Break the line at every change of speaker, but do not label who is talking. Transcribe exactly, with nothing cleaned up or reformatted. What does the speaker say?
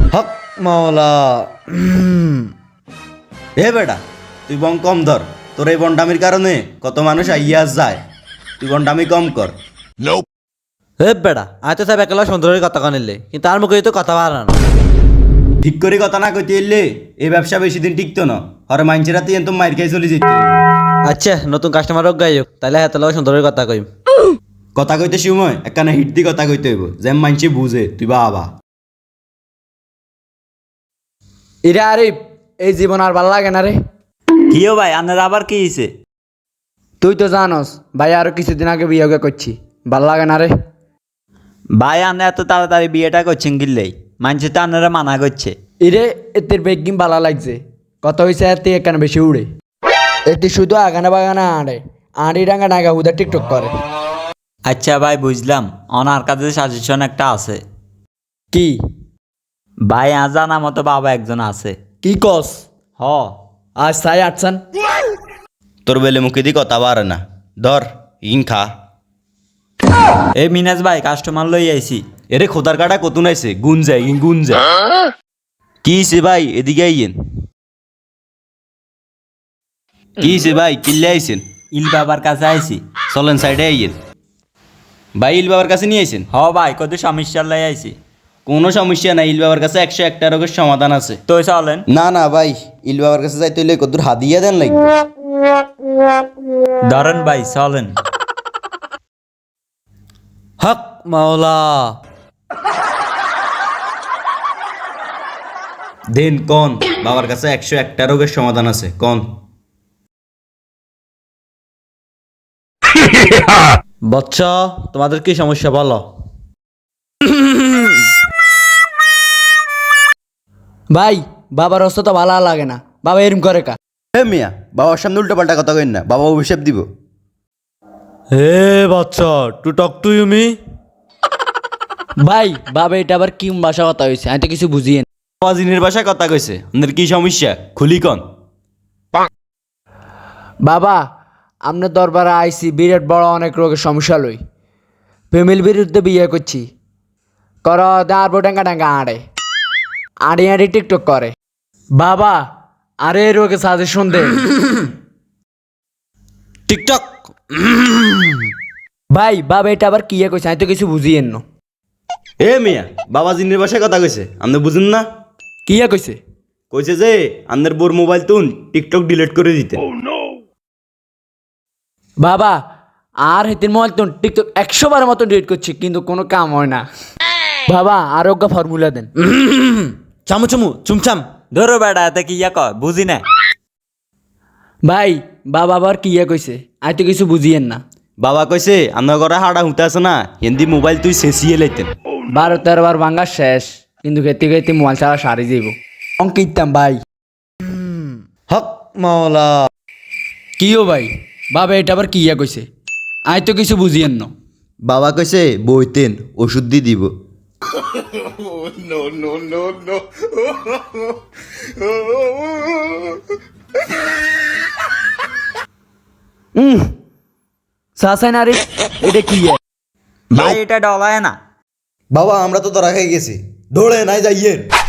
হক মাওলা। এ বেটা, তুই বং কম ধর। তোর এই বন্ডামির কারণে কত মানুষ আইয়া যায়। তুই বন্ডামি কম কর।
হে বেড়া আয় তো সাহেব একলা সুন্দরের কথা কানিলে কিন্তু তার মুখে তো কথা বাড়া না।
ঠিক করে কথা না কইতে এলে এই ব্যবসা বেশি দিন টিকতো না। হরে মাইনছে রাতে এত মাইর খাই চলে যেত।
আচ্ছা নতুন কাস্টমার হোক গাই হোক তাহলে হাতে লাগা সুন্দরের কথা কইম।
কথা কইতে সময় একখানা হিট দি কথা কইতে হইব, যেন মাইনছে বুঝে তুই বাবা।
ইরে আরিফ, এই জীবন আর ভাল লাগে না রে।
কিও ভাই আপনার আবার কি হয়েছে?
তুই তো জানোস ভাই আরো কিছুদিন আগে বিয়ে করছি, ভাল লাগে না রে।
ভাই আপনি এত তাড়াতাড়ি বিয়েটা করছেন গিল্লেই মানুষের তো আপনারা মানা করছে।
ইরে এতের বেগিম ভালো লাগছে, কত হয়েছে এতে এখানে বেশি উড়ে। এতে শুধু আগানা বাগানা আড়ে আড়ি ডাঙ্গা ডাঙ্গা উদা টিকটক করে।
আচ্ছা ভাই বুঝলাম, ওনার কাছে সাজেশন একটা আছে।
কি
ভাই আজ জানা মতো বাবা একজন আছে।
কি কস?
হ
আজ সাই আটসান
তোর বেলে মুখে দি কথা বাড়ে না। ধর ইন খা।
এই মিনাজ ভাই কাস্টমার লই আইছি।
এরে খোদার কাটা কতুন আইছে, গুন যায় ইন গুন যায়। কি হইছে ভাই, এদিকে আইয়েন। কি হইছে ভাই, কিল্লে আইছেন?
ইল বাবার কাছে আইছি।
চলেন সাইডে আইয়েন। ভাই ইল বাবার কাছে নিয়ে আইছেন?
হ ভাই কত সমস্যার লাই আইছি।
কোনো সমস্যা নাই, ইল বাবার কাছে একশো একটা রোগের সমাধান আছে।
তো চলেন।
না না ভাই, ইল বাবার কাছে যাইতে হইলে কত হাদিয়া দেন লাগবে।
ধরেন ভাই চলেন।
হক মাওলা।
দেন কোন বাবার কাছে একশো একটা রোগের সমাধান আছে কোন।
বচ্চ তোমাদের কি সমস্যা বলো।
ভাই বাবার অবস্থা তো ভালো লাগে না, বাবা এরম করে কা।
হে মিয়া, বাবার সামনে উল্টো পাল্টা কথা কইন না, বাবা অভিশাপ দিব।
হে বাচ্চা to talk to you me.
ভাই বাবা এটা আবার কি ভাষা কথা হয়েছে, আমি তো কিছু বুঝিয়ে না।
বাবা জিনের বাসায় কথা কইছে, আপনার কি সমস্যা খুলি কন।
বাবা আপনার দরবারে আইসি বিরাট বড় অনেক রোগের সমস্যা লই। ফ্যামিলির বিরুদ্ধে বিয়ে করছি, কর দাঁড় ডাঙ্গা ডাঙ্গা আড়ে আড়ি আড়ি টিকটক করে। বাবা আরে এই রোগে সাজেশন দে।
টিকটক।
ভাই বাবা এটা আবার কি কইছে, আমি তো কিছু বুঝিয়ে না।
এ মিয়া, বাবা জিনের বাসায় কথা কইছে, আপনি বুঝুন না?
কি কইছে?
কইছে যে আপনার বোর মোবাইল তুন টিকটক ডিলিট করে দিতে।
বাবা আর হেতির মোবাইল তো টিকটক একশো বার মতো ডিলিট করছি কিন্তু কোনো কাম হয় না। বাবা আরোগ্য ফর্মুলা দেন।
চামু চামু চুমচাম।
ধরো বেটা এতে কি ইয়া কয় বুঝি না।
ভাই বাবা আবার কি কইছে, আমি তো কিছু বুঝিয়েন না।
বাবা কইছে আপনার ঘরে হাড়া হুঁতে আছে না, হিন্দি মোবাইল তুই শেষিয়ে লাইতেন।
বারো তেরো বার ভাঙ্গা শেষ, কিন্তু খেতে খেতে মোবাইল ছাড়া সারি যাইব। অঙ্ক ইতাম ভাই।
হক মাওলা।
কিও ভাই বাবা এটা আবার কি কইছে, আমি তো কিছু বুঝিয়েন না।
বাবা কইছে বইতেন ওষুধ দি দিব।
হুম সাসাই না রে, এটা কি?
ভাই এটা ডলায় না।
বাবা আমরা তো ধরা খেয়ে গেছি, দৌড়ে নাই যাইয়েন।